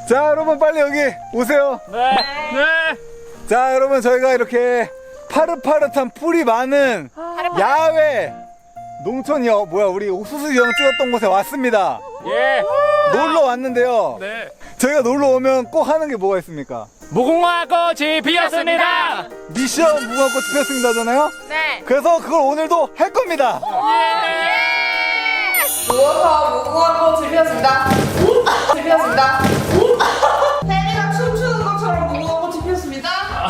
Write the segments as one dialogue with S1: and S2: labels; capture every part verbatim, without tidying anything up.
S1: 자, 여러분 빨리 여기 오세요.
S2: 네. 네.
S1: 자, 여러분 저희가 이렇게 파릇파릇한 풀이 많은 야외 농촌이요. 뭐야, 우리 옥수수 형 찍었던 곳에 왔습니다.
S2: 예.
S1: 놀러 왔는데요.
S2: 네.
S1: 저희가 놀러 오면 꼭 하는 게 뭐가 있습니까?
S2: 무궁화 꽃이 피었습니다.
S1: 미션 무궁화꽃 피었습니다잖아요.
S3: 네.
S1: 그래서 그걸 오늘도 할 겁니다.
S3: 누워서 무궁화꽃을 피웠습니다. 피웠습니다. 혜리가 춤추는 것처럼 무궁화꽃이 피었습니다.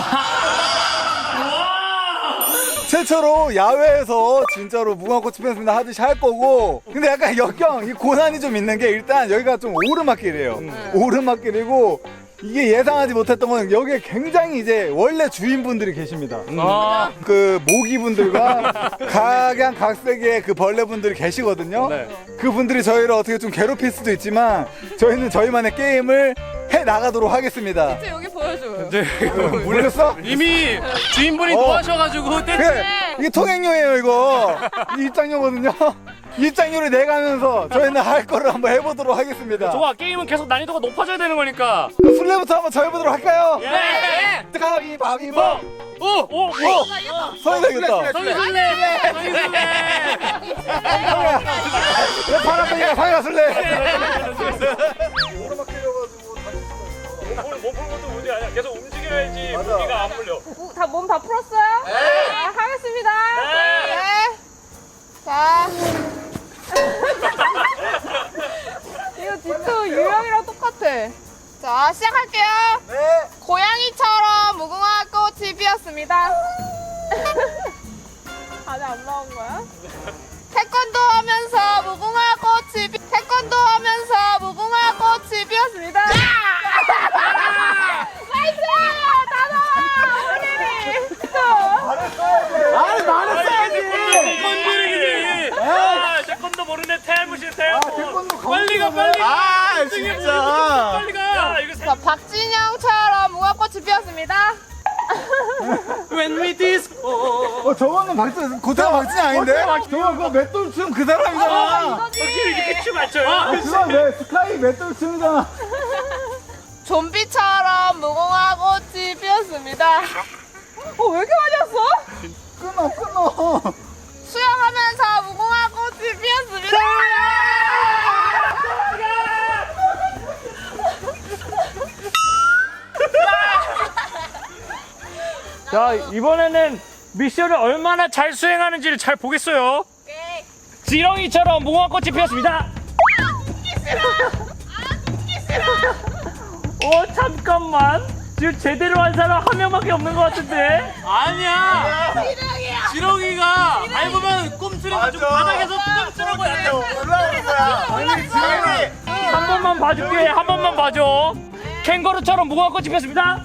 S1: 최초로 야외에서 진짜로 무궁화꽃 피었습니다 하듯이 할 거고, 근데 약간 역경, 이 고난이 좀 있는 게, 일단 여기가 좀 오르막길이에요. 음. 오르막길이고, 이게 예상하지 못했던 건 여기에 굉장히 이제 원래 주인분들이 계십니다.
S2: 음. 아.
S1: 그 모기분들과 각양각색의 그 벌레분들이 계시거든요.
S2: 네.
S1: 그분들이 저희를 어떻게 좀 괴롭힐 수도 있지만 저희는 저희만의 게임을 해 나가도록 하겠습니다.
S3: 진짜 여기 보여줘요.
S1: 몰랐어?
S2: 이미 주인분이
S1: 어.
S2: 노하셔가지고 떼
S1: 그래, 이게 통행료예요 이거. 이게 입장료거든요. 입장료를 내가면서 저희는 할 거를 한번 해보도록 하겠습니다.
S2: 좋아, 게임은 계속 난이도가 높아져야 되는 거니까.
S1: 그럼 술래부터 한번 저해보도록 할까요?
S2: 예.
S1: 가위바위보.
S2: 오! 오! 오!
S1: 성이 되겠다.
S2: 성이 술래! 성이 술래!
S1: 내 파란색이가 상이가 술래.
S2: 몸 푸는 것도 문제 아니야. 계속 움직여야지
S1: 맞아.
S2: 무기가 안 풀려.
S3: 다 몸 다 풀었어요? 네. 아, 하겠습니다.
S2: 네.
S3: 네. 자. 이거 진짜 유형이랑 똑같아. 자, 시작할게요.
S1: 네.
S3: 고양이처럼 무궁화 꽃이 피었습니다. 아직 안 나온 거야? 태권도 하면서 무궁화 꽃이 피... 태권도 하면서 무궁화 꽃이 피었습니다. 나이스! 다 나와! 어머님이!
S1: 아니 말했어야지.
S2: 태권도이지. 아, 태권도 모르네. 태무실 태.
S1: 아, 태권도
S2: 빨리 가, 빨리 가.
S1: 아, 진짜.
S2: 빨리 가. 야, 이거
S3: 자, 박진영처럼 무궁화 꽃이 피었습니다.
S2: When we disco.
S1: 어, 저거는 박진, 고태가 박진이 아닌데? 저거 그거 맷돌 춤 그 사람이잖아.
S3: 이거지.
S2: 이렇게 춤 맞춰요?
S1: 아, 그거 내 스카이 맷돌 춤이잖아.
S3: 좀비처럼 무궁화 꽃이 피었습니다. 어, 왜 이렇게 많이 왔어?
S1: 끊어, 끊어.
S3: 수영하면서 무궁화 꽃이 피었습니다.
S2: 자, 이번에는 미션을 얼마나 잘 수행하는지를 잘 보겠어요.
S3: 오케이.
S2: 지렁이처럼 무궁화꽃이 피었습니다. 어, 잠깐만. 지금 제대로 한 사람 한 명밖에 없는 것 같은데? 아니야.
S3: 지렁이야.
S2: 지렁이가 밟으면 꼼수려가지고 바닥에서 꼼수라고 해야
S1: 올라오는 거야. 아니, 지렁이.
S2: 한 번만 봐줄게. 한 번만 봐줘. 캥거루처럼 무궁화꽃이 피었습니다.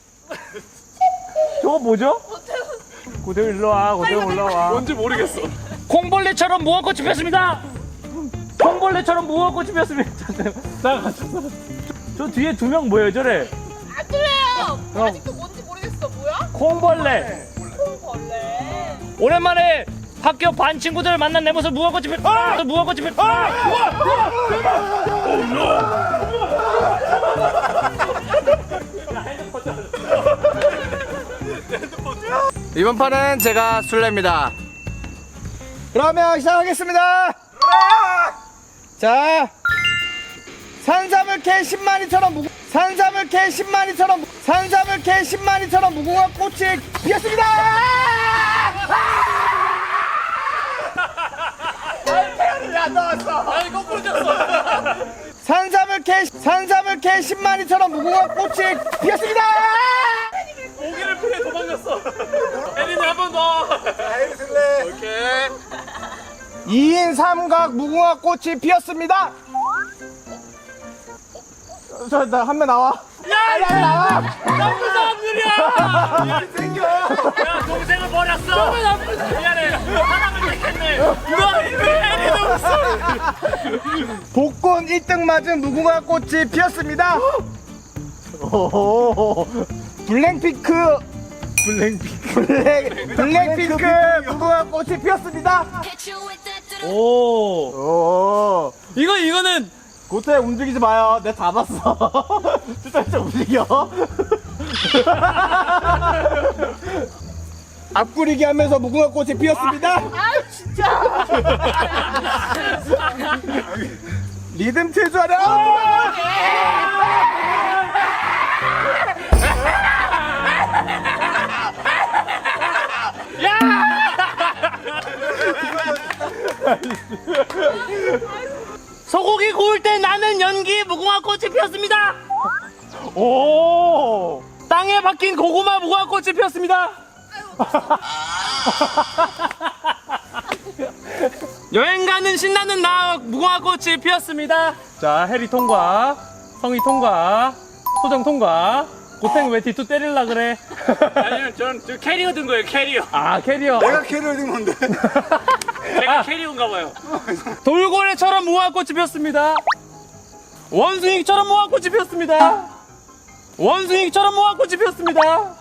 S2: 저거 뭐죠? 고대우 일로 와. 고대우 올라와. 뭔지 모르겠어. 콩벌레처럼 무궁화꽃이 피었습니다. 콩벌레처럼 무궁화꽃이 피었습니다. 잠깐만. 저 뒤에 두 명 뭐예요, 저래?
S3: 안 들려요.
S2: 어.
S3: 아직도 뭔지 모르겠어. 뭐야?
S2: 콩벌레.
S3: 콩벌레.
S2: 오랜만에 학교 반 친구들 만난 내 모습 무궁화꽃이 피. 아! 무궁화꽃이 피.
S4: 이번 판은 제가 술래입니다.
S1: 그러면 시작하겠습니다. 자, 산삼을 캐 십마리처럼 무궁 산삼을 캐 십마리처럼 산삼을 캐 십마리처럼 무궁화 꽃이 피었습니다. 야, 나왔어.
S2: 아니 거꾸로 졌어.
S1: 산삼을 캐 산삼을 캐 십마리처럼 무궁화 꽃이 피었습니다.
S2: 모기를 피해 도망갔어. 혜린이 한 번 더.
S1: 혜리 술래.
S2: 오케이.
S1: 이 인 삼각 무궁화 꽃이 피었습니다. 저, 나 한 명 나와.
S2: 야,
S1: 야, 나와.
S2: 나쁜 사람들이야.
S1: 생겨.
S2: 야, 동생을 버렸어. 너무 나쁜 사람. 미안해. 사랑을 택했네. 너 혜린이 없어.
S1: 복권 일 등 맞은 무궁화 꽃이 피었습니다. 오, 블랙핑크 블랙핑크 블랙 블랙핑크 무궁화 꽃이 피었습니다.
S2: 오.
S1: 오,
S2: 이거 이거는
S1: 고태 움직이지 마요. 내가 다 봤어. 진짜 진짜 움직여. 앞구리기 하면서 무궁화 꽃이 피었습니다.
S3: 아 진짜.
S1: 리듬 칠 줄 알아.
S2: 소고기 구울 때 나는 연기 무궁화 꽃이 피었습니다. 오, 땅에 박힌 고구마 무궁화 꽃이 피었습니다. 여행 가는 신나는 나 무궁화 꽃이 피었습니다. 자, 해리 통과, 성희 통과, 소정 통과. 고탱 왜 뒤투 때릴라 그래?
S5: 아니요, 전 저 캐리어 든 거예요, 캐리어.
S2: 아, 캐리어.
S1: 내가 캐리어 든 건데.
S5: 제가 캐리어인가 봐요.
S2: 돌고래처럼 무궁화 꽃이 피었습니다. 원숭이처럼 무궁화 꽃이 피었습니다. 원숭이처럼 무궁화 꽃이 피었습니다.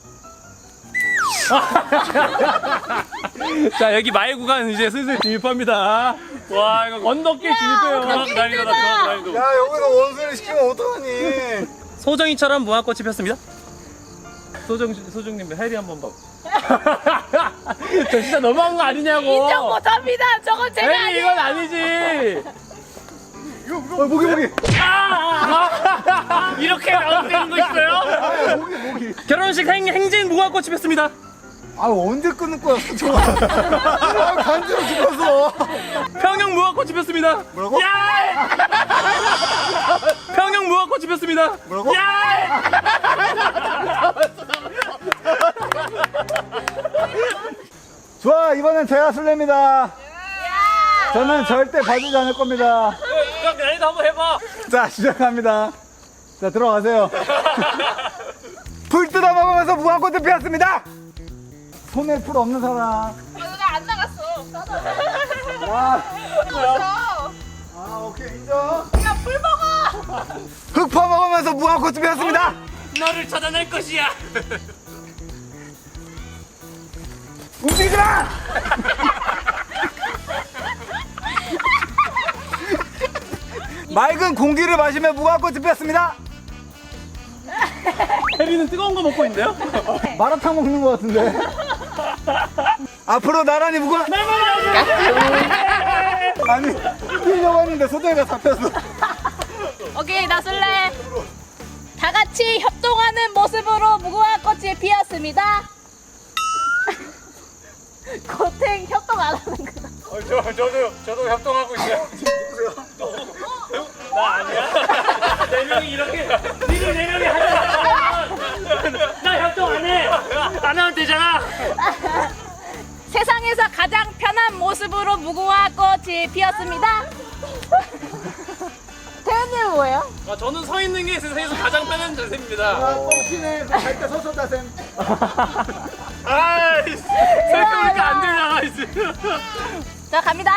S2: 자, 여기 마의 구간 이제 슬슬 진입합니다.
S5: 와, 이거
S2: 언덕길 진입해요.
S5: 정확 난이도다, 정확 난이도.
S1: 야 여기서 원수를 시키면 어떡하니?
S2: 소정이처럼 무궁화 꽃이 피었습니다. 소정 소정님 해리 한번 봐. 저 진짜 너무한 거 아니냐고.
S3: 인정 못합니다. 저건 제가
S2: 해리
S3: 아니에요.
S2: 이건 아니지.
S1: 어 목이 목이.
S5: 이렇게 나온다는 거 있어요?
S1: 아 목이 목이.
S2: 결혼식 행, 행진 무궁화 꽃이 피었습니다.
S1: 아 언제 끊을 거야? 아 간지러 죽었어.
S2: 평영 무궁화 꽃이 피었습니다.
S1: 뭐라고?
S2: 야! 평영 무궁화 꽃이 피었습니다.
S1: 뭐라고?
S2: 야!
S1: 좋아 이번엔 제가 술래입니다. 저는 절대 봐주지 않을 겁니다.
S5: 그럼 난이도 한번 해봐.
S1: 자 시작합니다. 자 들어가세요. 풀 뜯어 먹으면서 무궁화꽃을 피웠습니다. 손에 풀 없는 사람.
S3: 어, 나안 나갔어.
S1: 와.
S3: 나갔어.
S1: 아 오케이 인정.
S3: 야, 풀 먹어.
S1: 흙 퍼먹으면서 무궁화꽃을 피웠습니다.
S5: 너를 찾아낼 것이야.
S1: 움직이지 마. 맑은 공기를 마시며 무궁화꽃을 피웠습니다.
S2: 해리는 뜨거운 거 먹고 있는데요?
S1: 마라탕 먹는 것 같은데. 앞으로 나란히 무궁화. 아니 뛰려고 했는데 소정이가 잡혔어.
S3: 오케이, 나 술래. 다 같이 협동하는 모습으로 무궁화 꽃이 피었습니다. 고탱 협동 안 하는구나.
S5: 어, 저, 저도, 저도 협동하고 있어요. 나 아니야? 네 명이 이렇게, 니들 네 명이 하잖아. 나 협동 안 해. 안 하면 되잖아.
S3: 세상에서 가장 편한 모습으로 무궁화 꽃이 피었습니다. 태연님은 뭐예요?
S2: 아, 저는 서 있는 게 세상에서 가장 편한 자세입니다.
S1: 아 뻥치네. 갈때 서서 다셈.
S5: 아이, 생각해보니까 안 되잖아, 이제.
S3: 자, 갑니다.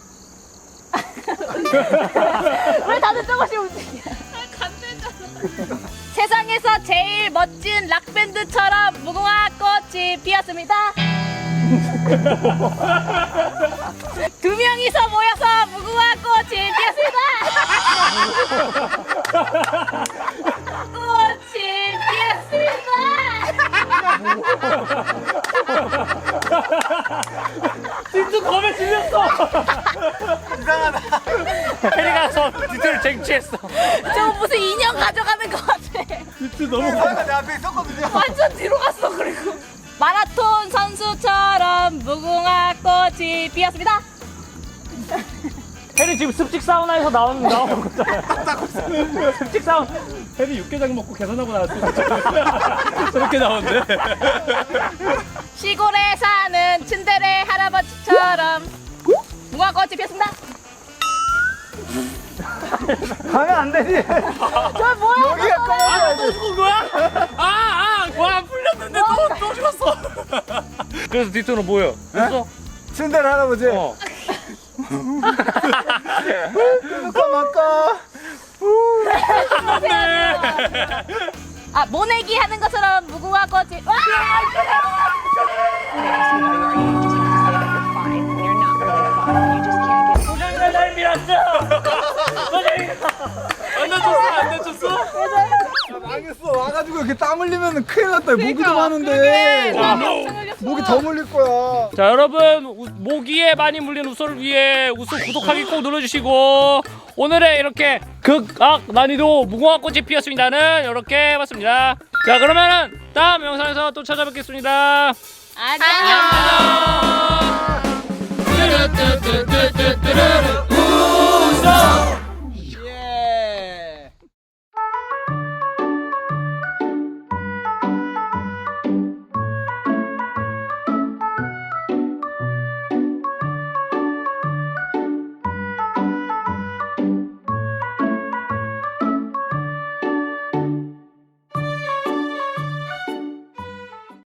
S3: 왜 다들 조금씩 움직여? 간대잖아. 세상에서 제일 멋진 락밴드처럼 무궁화 꽃이 피었습니다. 두 명이서 모여서 무궁화 꽃이 피었습니다. 꽃이 피었습니다.
S2: 진짜 겁에 질렸어.
S1: 이상하다.
S5: 해리가 서 뒤틀 쟁취했어.
S3: 저 무슨 인형 가져가는 것 같아.
S2: 진짜 너무
S1: 사이가 내 앞에 있었거든요.
S3: 완전 뒤로 갔어. 그리고 마라톤 선수처럼 무궁화 꽃이 피었습니다.
S2: 해리 지금 습직 사우나에서 나온 나온 거잖아요. 습직 사우나. 해리 육개장 먹고 계산하고 나왔어. 저렇게 나오는데.
S3: 시골에 사는 츤데레 할아버지처럼 무궁화 꽃이 피었습니다.
S1: 가면 안 되지.
S3: 저 뭐야?
S1: 여기가 꺼야 돼.
S2: 죽은 거야? 아, 아, 와 풀렸는데 또, 또 죽었어. 그래서 뒤쪽으로 뭐예요? 됐어?
S1: 츤데레 할아버지.
S2: 어.
S1: 까마까.
S3: 아, 모내기 하는 것처럼 무궁화 꽃이 와!
S5: 소장이가 날 밀었어. 소장이가. 안 다쳤어 안 다쳤어?
S1: 야, 망했어. 와가지고 이렇게 땀 흘리면 큰일 났다. 모기도
S3: 그러게,
S1: 많은데.
S3: 땀 엄청 흘렸어.
S1: 모기 더 물릴 거야.
S2: 자 여러분 우- 모기에 많이 물린 우소를 위해 우소 구독하기 꼭 눌러주시고 오늘의 이렇게 극악 난이도 무궁화 꽃이 피었습니다는 이렇게 해봤습니다. 자 그러면은 다음 영상에서 또 찾아뵙겠습니다.
S3: 안녕.
S2: 안녕.